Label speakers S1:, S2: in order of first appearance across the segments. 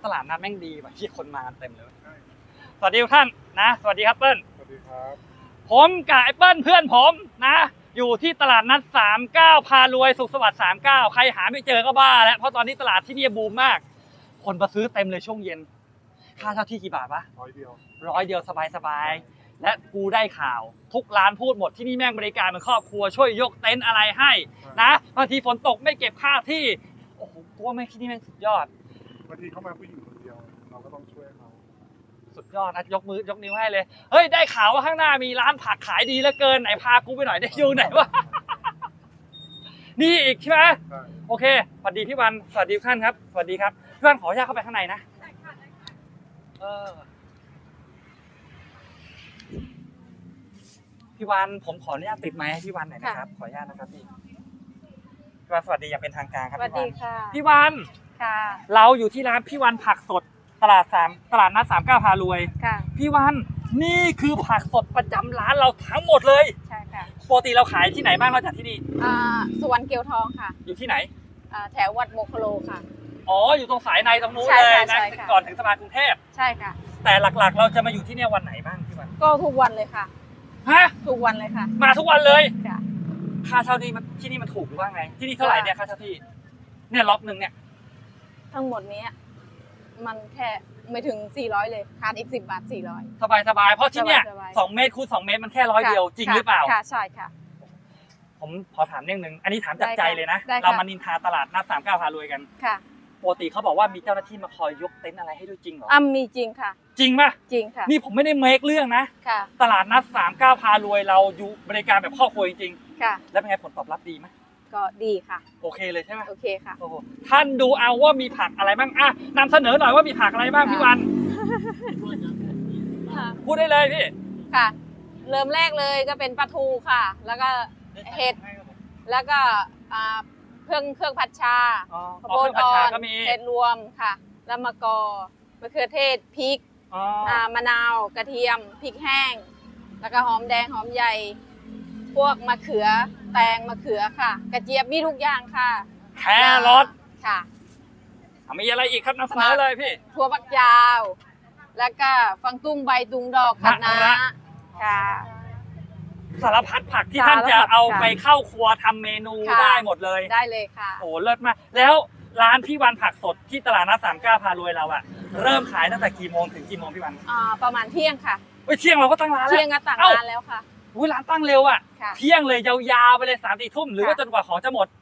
S1: ตลาดนัดแม่งดีว่ะที่คนมาเต็มเลยสวัสดีทุกท่านนะสวัสดีครับเปิ้ล
S2: สวัสดีครับ
S1: ผมกับไอ้เปิ้ลเพื่อนผมนะอยู่ที่ตลาดนัด39พารวยสุขสวัสดิ์39ใครหาไม่เจอก็บ้าแล้วเพราะตอนนี้ตลาดที่นี่บูมมากคนมาซื้อเต็มเลยช่วงเย็นค่าเช่าที่กี่บาทปะ
S2: 100 เดียว
S1: สบายและกูได้ข่าวทุกร้านพูดหมดที่นี่แม่งบริการเป็นครอบครัวช่วยยกเต็นท์อะไรให้นะบางทีฝนตกไม่เก็บค่าที่โอ้โหตัวแม่งที่นี่แม่งสุดยอด
S2: บางทีเข้ามาผู้หญิงคนเดียวเราก็ต้องช่วยเขา
S1: สุดยอดนะยกมือยกนิ้วให้เลยเฮ้ยได้ข่าวว่าข้างหน้ามีร้านผักขายดีเหลือเกินไหนพากูไปหน่อยได้อยู่ไหนวะ นี่อีกใช่ไหมโอเคสวัสดีพี่วันสวัสดีทุกท่านครับสวัสดีครับพี่วันขออนุญาตเข้าไปข้างในนะพี่วันผมขออนุญาตติดไมค์ให้พี่วันหน่อยนะครับขออนุญาตนะครับพี่วันสวัสดีอย่างเป็นทางการครับ
S3: สวัสดีค่ะ
S1: พี่วัน
S3: ค่ะ
S1: เราอยู่ที่ร้านพี่วันผักสดตลาดนัด39พารวย
S3: ค่ะ
S1: พี่วันนี่คือผักสดประจำร้านเราทั้งหมดเลย
S3: ใช่ค่ะ
S1: ปกติเราขายที่ไหนบ้างนอกจากที่นี่
S3: สุวรรณเกียวทองค่ะ
S1: อยู่ที่ไหน
S3: แถววัดโมคโลค่ะ
S1: อ๋ออยู่ตรงสายในตรงนู้นเลยนะก่อนถึงสะพานกรุงเทพ
S3: ใช่ค่ะ
S1: แต่หลักๆเราจะมาอยู่ที่นี่วันไหนบ้างพี่วัน
S3: ก็ทุกวันเลยค่ะ
S1: ฮะ
S3: ทุกวันเลยค่ะ
S1: มาทุกวันเลย
S3: ค่ะ
S1: ค่าเช่านี่มันที่นี่มันถูกหรือว่าไงที่นี่เท่าไหร่เนี่ยค่าเช่าที่เนี่ยล็อกนึงเนี่ย
S3: ทั้งหมดนี้มันแค่ไม่ถึง400เลยขาดอีก10 บาท400
S1: สบายเพราะที่เนี่ย2 เมตรคูณ2 เมตรมันแค่100เดียวจริงหรือเปล่า
S3: ค่ะใช่ค่ะ
S1: ผมขอถามเรื่องนึงอันนี้ถามจากใจเลยนะเรามานินทาตลาดนัด39พารวยกัน
S3: ค่ะ
S1: ปกติเขาบอกว่ามีเจ้าหน้าที่มาคอยยกเต็นท์อะไรให้ด้วยจริงเหรอ
S3: มีจริงค่ะ
S1: จริงป่ะ
S3: จริงค่ะ
S1: นี่ผมไม่ได้เมคเรื่องนะ
S3: ค่ะ
S1: ตลาดนัด39พารวยเราอยู่บริการแบบครอบครัวจริง
S3: ๆค่ะ
S1: แล้วเป็นไงผลตอบรับดีไหม
S3: ก็ดีค่ะ
S1: โอเคเลยใช่ไหม
S3: โอเคค่ะ
S1: โอ้โหท่านดูเอาว่ามีผักอะไรบ้างอ่ะนำเสนอหน่อยว่ามีผักอะไรบ้างพี่วันพูดได้เลยพี่
S3: ค่ะเริ่มแรกเลยก็เป็นปลาทูค่ะแล้วก็เห็ดแล้วก็เครื่องผัดชาข้าวโพดอ่อนเห็ดรวมค่ะแล้วมะกอกมะเขือเทศพริกมะนาวกระเทียมพริกแห้งแล้วก็หอมแดงหอมใหญ่พวกมะเขือแตงมะเขือค่ะกระเจี๊ยบมีทุกอย่างค่ะ
S1: แครอท
S3: ค่ะ
S1: มีอะไรอีกครับนำเสนอเลยพี่
S3: ถั่วฝักยาวแล้วก็ฟังตุ้งใบตุงดอกคะน้าค่ะ
S1: สารพัดผักที่ท่านจะเอาไปเข้าครัวทำเมนูได้หมดเลย
S3: ได้เลยค่ะ
S1: โอ้เลิศมากแล้วร้านพี่วันผักสดที่ตลาดนัด39พารวยเราอะเริ่มขายตั้งแต่กี่โมงถึงกี่โมงพี่วัน
S3: ประมาณเที่ยงค่ะ
S1: เที่ยงเราก็ตั้งร้านแล้ว
S3: เที่ยงก็ตั้งร้านแล้วค่ะ
S1: ร้านตั้งเร็วอะเที่ยงเลยยาวๆไปเลย3-4 ทุ่มหรือว่าจนกว่าของจะหมด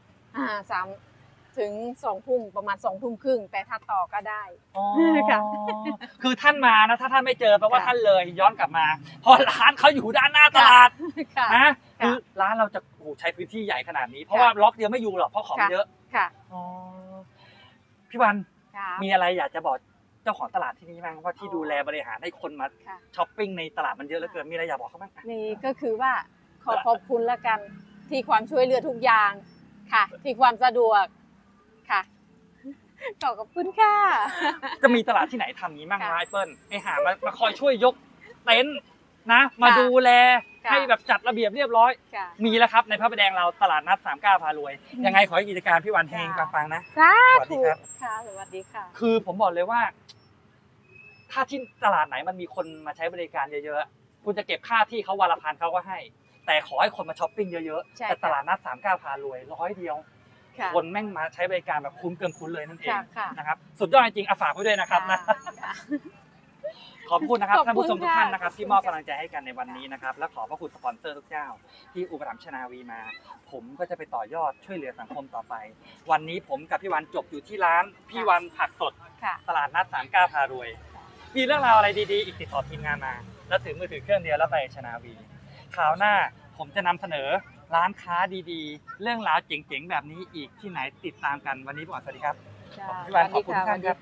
S3: 3 ถึง 2 ทุ่มประมาณ2 ทุ่มครึ่งแต่ถ้าต่อก็ได้
S1: ค่ะคือท่านมานะถ้าท่านไม่เจอแปลว่าท่านเลยย้อนกลับมาเพราะร้านเขาอยู่ด้านหน้าตลาดนะคือร้านเราจะใช้พื้นที่ใหญ่ขนาดนี้เพราะว่าล็อกเดียวไม่อยู่หรอกเพราะของเยอะ
S3: ค่ะ
S1: พี่วันมีอะไรอยากจะบอกเจ้าของตลาดที่นี่บ้างว่าที่ดูแลบริหารให้คนมาช้อปปิ้งในตลาดมันเยอะเหลือเกินมีอะไรอยากบอกเขาบ้าง
S3: นี่ก็คือว่าขอบคุณละกันที่ความช่วยเหลือทุกอย่างค่ะที่ความสะดวกค่ะขอบคุณค่ะ
S1: จะมีตลาดที่ไหนทำนี้บ้างไอเปิ้ลไอหามาคอยช่วยยกเต็นท์นะมาดูแลให้แบบจัดระเบียบเรียบร้อยมีแล้วครับในพระประแดงเราตลาดนัด39พารวยยังไงขอให้กิจการพี่วันเฮงปังๆนะ
S3: สวัสดีครับค่ะสวัสดีค่ะ
S1: คือผมบอกเลยว่าถ้าที่ตลาดไหนมันมีคนมาใช้บริการเยอะๆคุณจะเก็บค่าที่เขาวันละ1,000เขาก็ให้แต่ขอให้คนมาช้อปปิ้งเยอะๆแต่ตลาดนัด39พารวย100 เดียวคนแม่งมาใช้บริการแบบคุ้มเกินคุ้นเลยนั่นเองนะครับสุดยอดจริงๆฝากไว้ด้วยนะครับนะขอบคุณนะครับท่านผู้ชมทุกท่านนะครับที่มอบกำลังใจให้กันในวันนี้นะครับและขอพระคุณสปอนเซอร์ทุกเจ้าที่อุปถัมภ์ชนาวีมาผมก็จะไปต่อยอดช่วยเหลือสังคมต่อไปวันนี้ผมกับพี่วันจบอยู่ที่ร้านพี่วันผักสดตลาดนัด39พารวยมีเรื่องราวอะไรดีๆอีกติดต่อทีมงานมาแล้วถือมือถือเครื่องเดียวแล้วไปชนาวีคราวหน้าผมจะนำเสนอร้านค้าดีๆเรื่องราวเจ๋งๆแบบนี้อีกที่ไหนติดตามกันวันนี้ผมสวัสดีครับพี่วันขอบคุณท่านครับ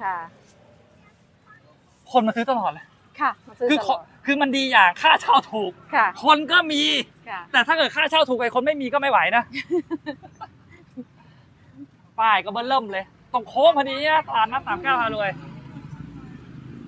S1: คนมาซื้อตลอดเลย
S3: ค่ะ
S1: คือมันดีอย่างค่าเช่าถูกคนก็มีแต่ถ้าเกิดค่าเช่าถูกไปคนไม่มีก็ไม่ไหวนะป้ายก็เบิ่มเลยตรงโค้งพอดีนะตลาดนัด39พารวย